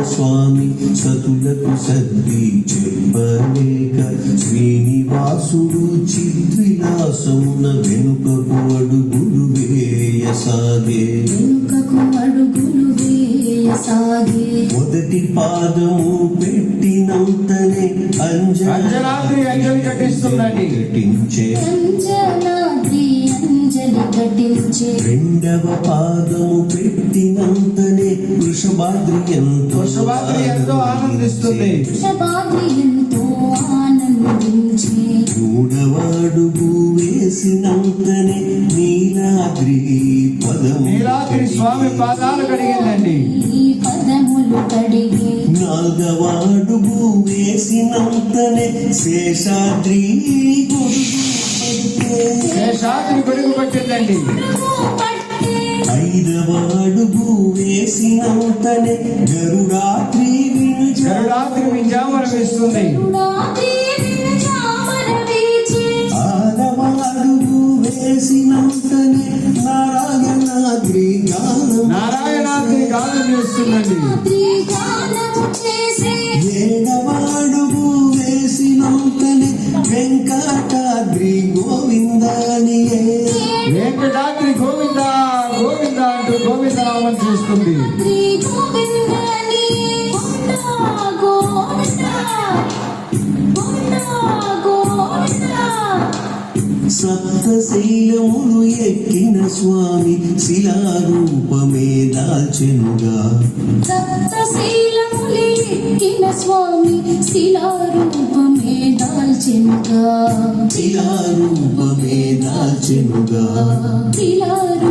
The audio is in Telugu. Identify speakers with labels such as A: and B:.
A: స్వామి సతులకు సద్ది చెప్పలేక శ్రీనివాసుడు చిద్విలాసమున వెనుకకు అడుగులు వేయసాగే మొదటి పాదము పెట్టినంతనే అంజలి రెండవ పాదము పెట్టినంతనే వృషభాద్రి ఎంతో ఆనందిస్తుంది. మూడవ అడుగు వేసినంతనే నీలాద్రి
B: స్వామి పాదాలు కడిగిందండి.
A: నాలుగవ అడుగు వేసినంతనే శేషాద్రి
B: గొడుగు పట్టిందండి.
A: ఐదవ అడుగు వేసినంతనే గరుడాద్రి
B: వింజామరమిస్తుంది.
A: ఆరవ అడుగు వేసినంతనే నారాయణాద్రి
B: గానం చేస్తుందండి.
A: ఏడవ అడుగు వేసినంతనే వెంకటాద్రి గోవిందాని
B: వెంకటాద్రి గోవింద గోవింద అంటూ గోవింద నామం చేస్తుంది.
A: సప్తశైలములు ఎక్కిన స్వామి శిలారూపమే దాల్చెనుగా.
C: సప్తశైలములు ఎక్కిన స్వామి శిలారూపమే దాల్చెనుగా.
A: శిలారూపమే దాల్చెనుగా.